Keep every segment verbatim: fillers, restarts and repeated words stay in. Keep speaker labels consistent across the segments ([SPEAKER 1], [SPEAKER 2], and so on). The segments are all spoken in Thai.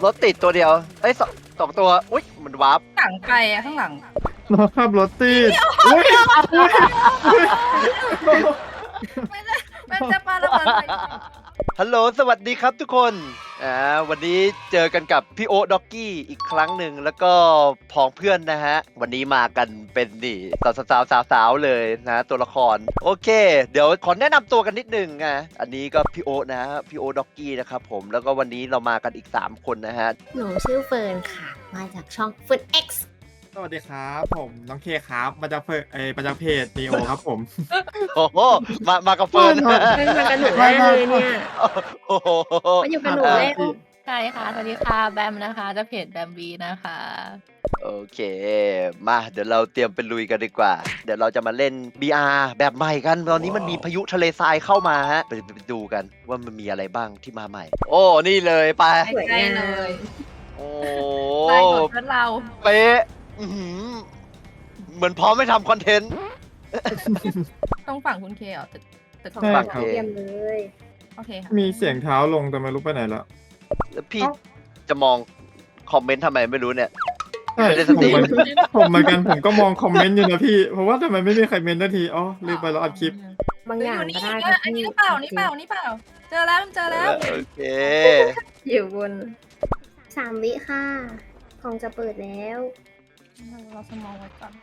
[SPEAKER 1] รถติดตัวเดียวเอ้ยสองสองตัวอุ้ยมันวาร์ป
[SPEAKER 2] หลังไปอะข้างหลัง
[SPEAKER 3] รถขับรถติดอุ้ยอุ้ยอุ้ย
[SPEAKER 2] ไม่ได้มันจะปาระเบิดใส่
[SPEAKER 1] ฮัลโหลสวัสดีครับทุกคนอ่าวันนี้เจอกันกับพี่โอ๊ตด็อกกี้อีกครั้งหนึ่งแล้วก็พ้องเพื่อนนะฮะวันนี้มากันเป็นนี่สาวสาวสาวสาวๆเลยนะตัวละครโอเค เดี๋ยวขอแนะนำตัวกันนิดนึงอ่ะอันนี้ก็พี่โอ๊ตนะฮะพี่โอ๊ตด็อกกี้นะครับผมแล้วก็วันนี้เรามากันอีกสามคนนะฮะ
[SPEAKER 4] หนูชื่อเฟิร์นค่ะ มาจากช่อง Food X
[SPEAKER 3] สวัสดีครับผมน้องเคครับมาจากเพจเออมาจากเพจนีโอครับผม
[SPEAKER 1] โอ้โหมามากับเฟิร์น
[SPEAKER 4] เป็นมากับหนูได้เลยเนี่ย
[SPEAKER 1] โอ้โห
[SPEAKER 4] มาอยู่กับหนูแล้ว
[SPEAKER 2] ใช่ค่ะสวัสดีค่ะแบมนะคะจะเพจแบมบีนะคะ
[SPEAKER 1] โอเค มาเดี๋ยวเราเตรียมไปลุยกันดีกว่า เดี๋ยวเราจะมาเล่น บี อาร์ แบบใหม่กัน ตอนนี้มันมีพายุทะเลทรายเข้ามาฮะ ไปไปดูกันว่ามันมีอะไรบ้างที่มาใหม่ โอ้ นี่เลยไป
[SPEAKER 4] สวย
[SPEAKER 2] ใกล้
[SPEAKER 4] งาม
[SPEAKER 2] เลย
[SPEAKER 1] โอ้
[SPEAKER 2] ใกล้หมดเพื่อนเรา
[SPEAKER 1] เป๊ะอื้อหือเหมือนพร้อมไม่ทำคอนเทนต์
[SPEAKER 2] ต้องฝั่งคุณเคเหรอตึกตึก
[SPEAKER 4] ของ
[SPEAKER 3] ใช่
[SPEAKER 4] เรา
[SPEAKER 3] ครับ
[SPEAKER 4] เยี่ยมเลย
[SPEAKER 2] โอเคค่ะ
[SPEAKER 3] มีเสียงเท้าลงแต่ไม่รู้ไปไหนแล้ว
[SPEAKER 1] แล้วพี่จะมองคอมเมนต์ทำไมไม่รู้เนี่ย
[SPEAKER 3] ใช่
[SPEAKER 1] ไม่ได้ส
[SPEAKER 3] ผม
[SPEAKER 1] ติ
[SPEAKER 3] เหมือนผมเหมือนกันผมก็มองคอมเมนต์อยู่นะพี่เพราะว่าทำไมไม่มีใครเมนต์นาทีอ๋อลืมไปแล้วอัดคลิป
[SPEAKER 4] บางอย่าง
[SPEAKER 2] นี่
[SPEAKER 4] ก็ได้
[SPEAKER 2] อันนี้หรือเปล่านี่เปล่านี่เปล่า เจอแล้วเจอแล้ว
[SPEAKER 1] โอเค
[SPEAKER 4] อยู่บนสามวิค่ะของจะเปิดแล้ว
[SPEAKER 2] เราสมองไว้ก่อน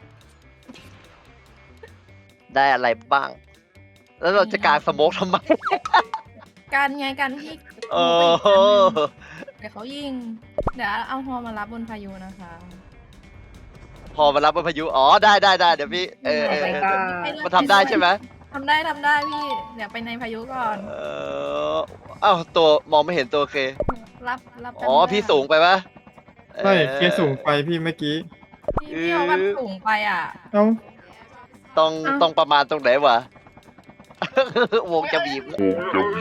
[SPEAKER 1] ได้อะไรบ้าง แล้วเราจะกางสโมกทำไม
[SPEAKER 2] การไงการที่
[SPEAKER 1] โอ้โห
[SPEAKER 2] เดี๋ยวเขายิง เดี๋ยวเอาฮอมารับบนพายุนะคะ
[SPEAKER 1] พอมารับบนพายุ อ๋อ ได้ได้ได้เดี๋ยวพี่ เออเออ
[SPEAKER 4] ไป
[SPEAKER 1] เออ
[SPEAKER 4] ก่อน
[SPEAKER 1] มันทำได้ใช่ไหม
[SPEAKER 2] ทำได้ทำได้พี่ เดี๋ยวไปในพายุก่อน
[SPEAKER 1] เอออ้าวตัวมองไม่เห็นตัวเค
[SPEAKER 2] รับรับ
[SPEAKER 1] อ๋อ พี่สูงไปปะ
[SPEAKER 3] ใช่
[SPEAKER 1] ออ
[SPEAKER 3] เคสูงไปพี่เมื่อกี้
[SPEAKER 2] พี่พี่เอาวันสูงไปอ่ะ
[SPEAKER 3] เอ้า
[SPEAKER 1] ต้องต้องประมาณตรงไหนวะ วงจะบีบแล้ว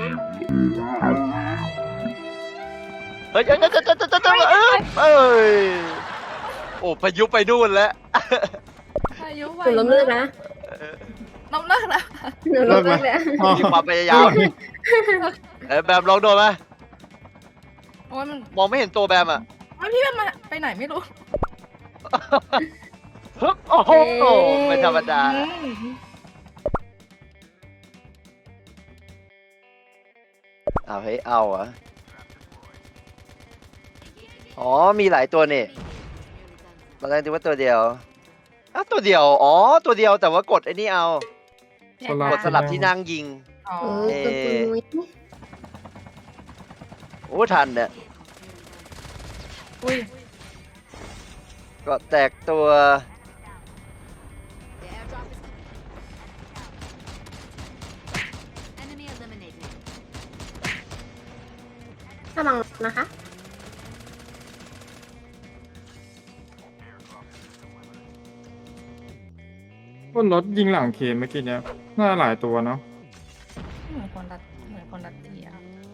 [SPEAKER 1] เฮ้ยเฮ้ยเฮ้ยเฮ้ยเฮ้ยเฮ้ยเฮ้ยเอ้ยโอ้พายุไปนู่นแล้ว
[SPEAKER 2] พายุไว
[SPEAKER 4] หนูล้มเลิกนะ
[SPEAKER 2] ล้มเลิกแล้ว
[SPEAKER 4] หนูล้มเลิกแล้ว
[SPEAKER 3] อ๋อ
[SPEAKER 1] มีความพยายามเออแบมลองโดนไหม
[SPEAKER 2] โอ้ยมัน
[SPEAKER 1] มองไม่เห็นตัวแบมอ่ะ
[SPEAKER 2] โอ้ยพี่มันมาไปไหนไม่รู้
[SPEAKER 1] ฮึบโอ้โหไม่ธรรมดา
[SPEAKER 2] อืม
[SPEAKER 1] เอาให้เอาเหรอ่ะอ๋อมีหลายตัวนี่ตอนแรกคิดว่าตัวเดียวอ้าวตัวเดียวอ๋อตัวเดียวแต่ว่ากดไอ้นี่เอา
[SPEAKER 3] สลับ
[SPEAKER 1] กดสลับที่นั่งยิง
[SPEAKER 2] อ๋อ
[SPEAKER 4] เออตัวปุยมุ้ย
[SPEAKER 1] โอ้ทันเนี่ย
[SPEAKER 2] อุ้ย
[SPEAKER 1] ก็แตกตัว
[SPEAKER 4] ระวังนะคะ
[SPEAKER 3] บนรถยิงหลังเคเมื่อกี้เนี้ยน่าหลายตัวเนาะ
[SPEAKER 2] เหมือนคนรัดเหมือนคนรัดเตีย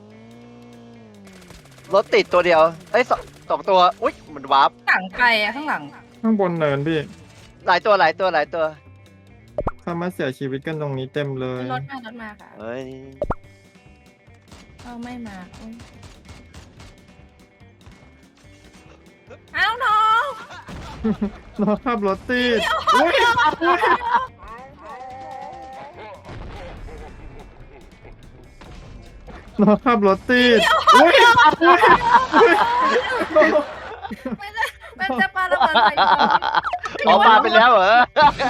[SPEAKER 1] รถติดตัวเดียวเอ้ยสองสองตัวอุ้ยมันวาร์ป
[SPEAKER 2] หลังไปอะข้างหลัง
[SPEAKER 3] ข้างบนเนินพี่
[SPEAKER 1] หลายตัวหลายตัวหลายตัว
[SPEAKER 3] ถ้ามาเสียชีวิตกันตรงนี้เต็มเลย
[SPEAKER 2] รถมารถมาค่ะ
[SPEAKER 1] เฮ้ย
[SPEAKER 2] เออไม่มาอุ๊ยเอ้าน้อง
[SPEAKER 3] รถขับรถติดอุ้ยอุ้ยรถขับรถติดอุ้ยอุ้ยอุ้ย
[SPEAKER 2] ไม่ได้มันจะปาระเบิดใส่
[SPEAKER 1] ออกมาไปแล้วเหรอ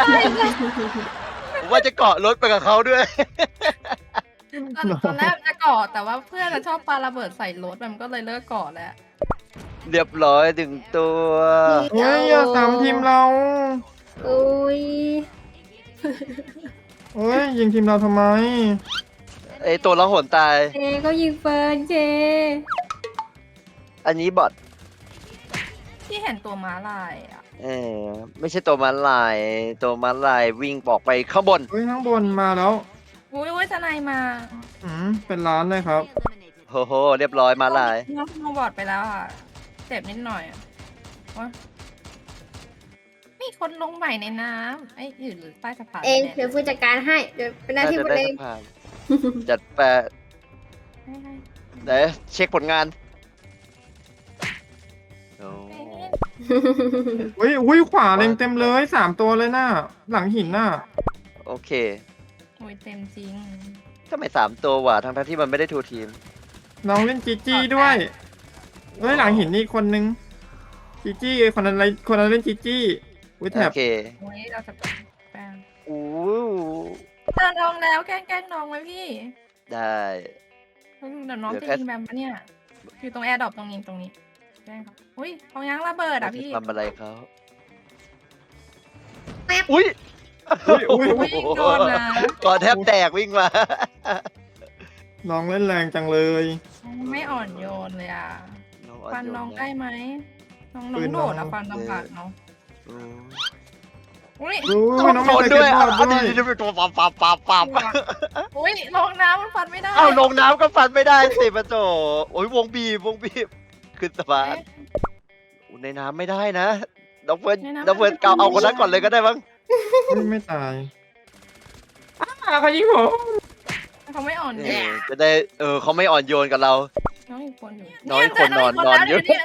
[SPEAKER 1] ผมว่าจะเกาะรถไปกับเขาด้วย
[SPEAKER 2] ตอนตอนแรกจะเกาะแต่ว่าเพื่อนชอบปาระเบิดใส่รถมันก็เลยเลิกเกาะแล้ว
[SPEAKER 1] เรียบร้อยถึงตัว
[SPEAKER 3] โอ้ยอย่าสามทีมเรา
[SPEAKER 4] อุ้ย
[SPEAKER 3] โอ้ยยิงทีมเราทำไม
[SPEAKER 1] ไอตัวละหนตาย
[SPEAKER 4] เจก็ยิงเฟิร์นเจ
[SPEAKER 1] อันนี้บอท
[SPEAKER 2] ที่เห็นตัวม้าลายอ่ะ
[SPEAKER 1] เออไม่ใช่ตัวมันลาย ตัวมันลายวิ่งบอกไปข้างบน
[SPEAKER 3] เฮ้ยข้างบนมาแล้ว
[SPEAKER 2] อุ้ยอุ้ยทนายมา
[SPEAKER 3] อืมเป็นร้านเลยครับ
[SPEAKER 1] โหโหเรียบร้อยมาลาย
[SPEAKER 2] น้องน้องบอดไปแล้วอ่ะเจ็บนิดหน่อยอะวะมีคนลงใหม่ในน้ำไอ้อยู่หรือใต้สะพาน
[SPEAKER 4] เอง
[SPEAKER 2] แน่
[SPEAKER 4] เดี๋ยวฟูจัดการให้ เดี๋ยวเป็นหน้าที่ฟู
[SPEAKER 1] ได้
[SPEAKER 4] เอง
[SPEAKER 1] สะพานจัดแปะ
[SPEAKER 2] ให้ให้
[SPEAKER 1] เดี๋ยวเช็คผลงานโอ้
[SPEAKER 3] อุ้ยอุ้ยขวาเล็งเต็มเลยสามตัวเลยน่ะหลังหินน่ะ
[SPEAKER 1] โอเค
[SPEAKER 2] โอ้ยเต็มจริง
[SPEAKER 1] ทำไมสามตัววะทั้งๆที่มันไม่ได้ทูทีม
[SPEAKER 3] น้องเล่นจีจี้ด้วยเฮ้ยหลังหินนี่อีกคนนึงจีจี้คนนั้นอะไรคนนั้นเล่นจีจี้อุ้ยแถ
[SPEAKER 1] โอบ เค
[SPEAKER 2] โอ้ยเราจะเป็นแป้ง
[SPEAKER 1] อู้
[SPEAKER 2] เจอน้องแล้วแกล้งแกล้งน้องไหมพี่
[SPEAKER 1] ได้
[SPEAKER 2] เดี๋ยวน้อง
[SPEAKER 1] เดี๋ยว
[SPEAKER 2] จะ
[SPEAKER 1] แค่
[SPEAKER 2] ยิงแบบปะเนี่ยอยู่ตรงแอร์ดรอปตรงนี้ตรงนี้แกล้งครับอุ้ยของยังระเบิดอ่ะพี่
[SPEAKER 1] ทำอะไรเขา
[SPEAKER 4] แป๊บ
[SPEAKER 1] อุ้ย
[SPEAKER 3] อุ้ยอุ้ย
[SPEAKER 2] อุ้ยโดนนะ
[SPEAKER 1] ก่อนแทบแตกวิ่งมา
[SPEAKER 3] น้องเล่นแรงจังเลย
[SPEAKER 2] ไม่อ่อนโยนเลยอ่ะฟันน้องได้ไหมน้องน้
[SPEAKER 3] ปื
[SPEAKER 2] อง
[SPEAKER 3] น
[SPEAKER 2] โดด
[SPEAKER 3] น้
[SPEAKER 2] อ่ะ
[SPEAKER 3] อง
[SPEAKER 2] ฟันลำบากเนาะ
[SPEAKER 1] อืม
[SPEAKER 2] อุ้ย
[SPEAKER 3] อุ้ยน้อง
[SPEAKER 1] โด
[SPEAKER 3] ไม่
[SPEAKER 1] น
[SPEAKER 3] เค
[SPEAKER 1] ด้วย
[SPEAKER 3] ย
[SPEAKER 1] อ่ะ
[SPEAKER 3] บอด
[SPEAKER 1] อัน
[SPEAKER 3] ด้ว
[SPEAKER 1] นี้
[SPEAKER 3] ย
[SPEAKER 1] นี่เป็นตัวปับปับปับปับ
[SPEAKER 2] อุ้ยลงน้ำมันฟันไม่ได้
[SPEAKER 1] เอ้าลงน้ำก็ฟันไม่ได้สิปะโจโอ้ยวงบีบวงบีบขึ้นสะพาน
[SPEAKER 2] เอ๊ะ
[SPEAKER 1] อุ๊ยในน้ำไม่ได้นะน้องเฟิร์น
[SPEAKER 2] ในน้ำ
[SPEAKER 1] น้องเฟิร์น
[SPEAKER 2] มันจะ
[SPEAKER 1] เกาเอาคนนั้น
[SPEAKER 2] ไม่ได้
[SPEAKER 1] ก่อนเลยก็ได้มั้ง
[SPEAKER 3] อุ้ยไม่ตายอ้าเขายิงผม
[SPEAKER 2] เขาไม่อ่อน
[SPEAKER 1] เอ
[SPEAKER 2] โย
[SPEAKER 1] อน จะได้เออเขาไม่อ่อนโยนกับเรา
[SPEAKER 2] น้องอีกคนอยู่
[SPEAKER 1] น้องอีกคนนอนนอนเยอะ
[SPEAKER 2] เนี่ย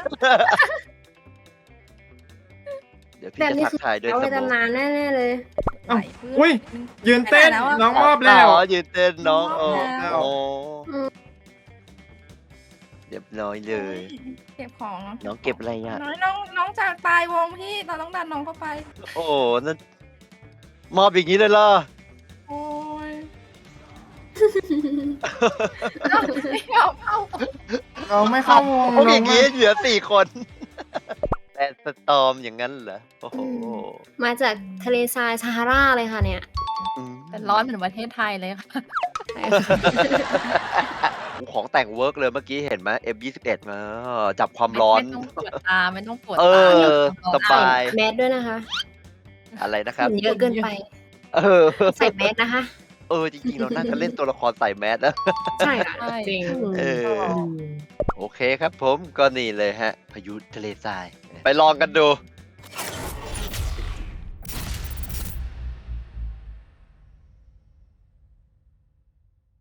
[SPEAKER 1] เดี๋ยวพี่
[SPEAKER 4] แบบ
[SPEAKER 1] จะ
[SPEAKER 4] นี้
[SPEAKER 1] ทัก
[SPEAKER 4] คือ
[SPEAKER 1] ทายด้วย
[SPEAKER 4] เอา
[SPEAKER 1] ส
[SPEAKER 4] ไป
[SPEAKER 1] มอง
[SPEAKER 4] ตำนานแน่ๆเลย
[SPEAKER 3] เอ้า
[SPEAKER 2] ไหลพื้น
[SPEAKER 3] อุ้ยยืนเต้น
[SPEAKER 2] ไปไหนแล้วอะ
[SPEAKER 3] น้องมอบแล้ว
[SPEAKER 1] อ๋อยืนเต้นน้อง
[SPEAKER 2] ม
[SPEAKER 1] โอ้
[SPEAKER 2] อบแล้ว
[SPEAKER 1] โอ้
[SPEAKER 4] อืม
[SPEAKER 1] เรียบร้อยเลย
[SPEAKER 2] เก็บของ
[SPEAKER 1] น้องเก็บอะไรอ่ะ
[SPEAKER 2] น้องน้องน้องจะตายวงพี่เราต้องดันน้องเข้าไป
[SPEAKER 1] โอ้โหนั่นมอบอย่างนี้เลยเหรอ
[SPEAKER 2] โอ้ยเอาไม่เอาเอา
[SPEAKER 3] เราไม่เข้าวง
[SPEAKER 1] พวก
[SPEAKER 3] น้
[SPEAKER 1] อ
[SPEAKER 3] อง
[SPEAKER 1] ย่าง
[SPEAKER 3] ไม่
[SPEAKER 1] นี้เหลือสี่คน แต่สตอมอย่างนั้นเหรอโอ้โห
[SPEAKER 4] มาจากทะเลทรายซาฮาราเลยค่ะเนี่ย
[SPEAKER 1] อืม
[SPEAKER 2] แต่ร้อนเหมือนประเทศไทยเลยค่ะ
[SPEAKER 1] ของแต่งเวิร์กเลยเมื่อกี้เห็นไหม เอ็ม ยี่สิบเอ็ด มาจับความร้อน
[SPEAKER 2] ไม่ต้องปวดตาไม่ต้องปวด
[SPEAKER 1] เอ
[SPEAKER 2] ตา
[SPEAKER 1] อสบาย
[SPEAKER 4] แมสด้วยนะคะ
[SPEAKER 1] อะไรนะครับ
[SPEAKER 4] ฝุ่นเยอะเกินไป
[SPEAKER 1] เออ
[SPEAKER 4] ใส่แมสนะคะ
[SPEAKER 1] เออ จริงๆ เราน่าจะเล่นตัวละครใส่แมสนะ
[SPEAKER 4] ใช่ค่ะ
[SPEAKER 2] ใช่
[SPEAKER 4] จริง
[SPEAKER 1] เออ โอเคครับผมก็นี่เลยฮะ พายุทะเลทราย ไปลองกันดู